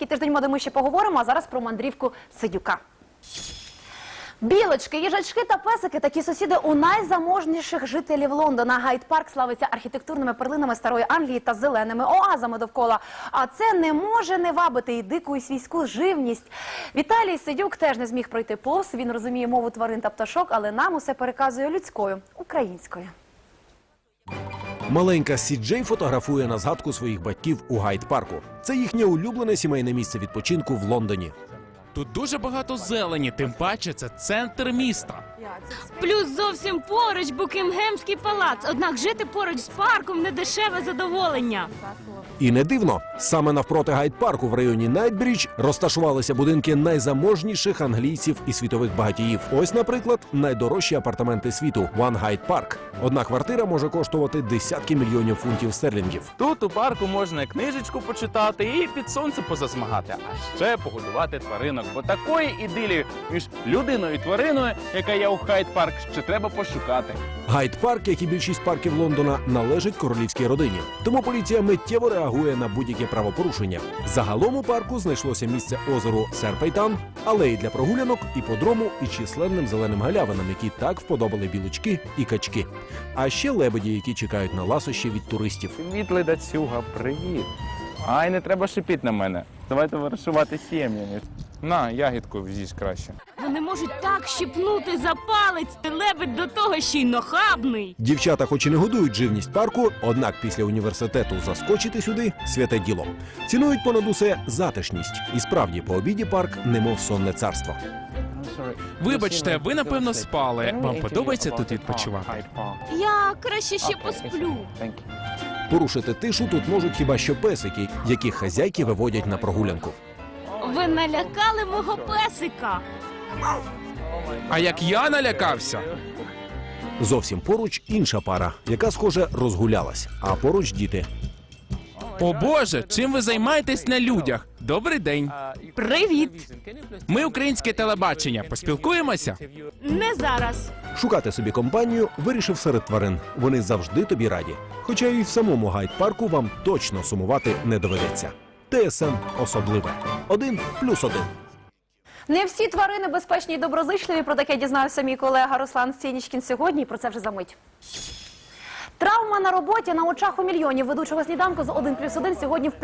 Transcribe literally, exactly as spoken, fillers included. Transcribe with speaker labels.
Speaker 1: український тиждень моди ми ще поговоримо, а зараз про мандрівку Сидюка. Білочки, їжачки та песики – такі сусіди у найзаможніших жителів Лондона. Гайд-парк славиться архітектурними перлинами старої Англії та зеленими оазами довкола. А це не може не вабити і дику, і свійську живність. Віталій Сидюк теж не зміг пройти повз. Він розуміє мову тварин та пташок, але нам усе переказує людською, українською.
Speaker 2: Маленька Сі Джей фотографує на згадку своїх батьків у Гайд-парку. Це їхнє улюблене сімейне місце відпочинку в Лондоні.
Speaker 3: Тут дуже багато зелені, тим паче це центр міста.
Speaker 4: Плюс зовсім поруч Букінгемський палац. Однак жити поруч з парком – не дешеве задоволення.
Speaker 2: І не дивно, саме навпроти Гайд-парку в районі Найтбрідж розташувалися будинки найзаможніших англійців і світових багатіїв. Ось, наприклад, найдорожчі апартаменти світу – One Hyde Park. Одна квартира може коштувати десятки мільйонів фунтів стерлінгів.
Speaker 3: Тут у парку можна і книжечку почитати, і під сонце позасмагати, а ще погодувати тваринок. Бо такої ідилії між людиною і твариною, яка є у Гайд-парк, ще треба пошукати.
Speaker 2: Гайд-парк, як і більшість парків Лондона, належить королівській родині. Тому поліція миттєво реагує на будь-яке правопорушення. Загалом у парку знайшлося місце озеру Серпейтан, алеї для прогулянок, іподрому і численним зеленим галявинам, які так вподобали білочки і качки. А ще лебеді, які чекають на ласощі від туристів.
Speaker 3: Привіт, ледацюга, привіт. Ай, не треба шипіти на мене. Давайте вирішувати сім'ями. На, ягідку з'їж краще.
Speaker 4: Вони можуть так щіпнути за палець. Лебедь до того ще й нахабний.
Speaker 2: Дівчата хоч і не годують живність парку, однак після університету заскочити сюди – святе діло. Цінують понад усе затишність. І справді, по обіді парк немов сонне царство.
Speaker 3: Вибачте, ви, напевно, спали. Вам подобається тут відпочивати?
Speaker 4: Я краще ще посплю.
Speaker 2: Порушити тишу тут можуть хіба що песики, яких хазяйки виводять на прогулянку.
Speaker 4: Ви налякали мого песика.
Speaker 3: А як я налякався?
Speaker 2: Зовсім поруч інша пара, яка, схоже, розгулялась, а поруч діти.
Speaker 3: О Боже, чим ви займаєтесь на людях? Добрий день.
Speaker 4: Привіт.
Speaker 3: Ми українське телебачення. Поспілкуємося?
Speaker 4: Не зараз.
Speaker 2: Шукати собі компанію вирішив серед тварин. Вони завжди тобі раді. Хоча і в самому Гайд-парку вам точно сумувати не доведеться. Те ес ем особливе. Один плюс один.
Speaker 1: Не всі тварини безпечні і доброзичливі. Про таке дізнався мій колега Руслан Сєнічкін сьогодні. І про це вже за мить. Травма на роботі на очах у мільйонів ведучого сніданку з один плюс один сьогодні в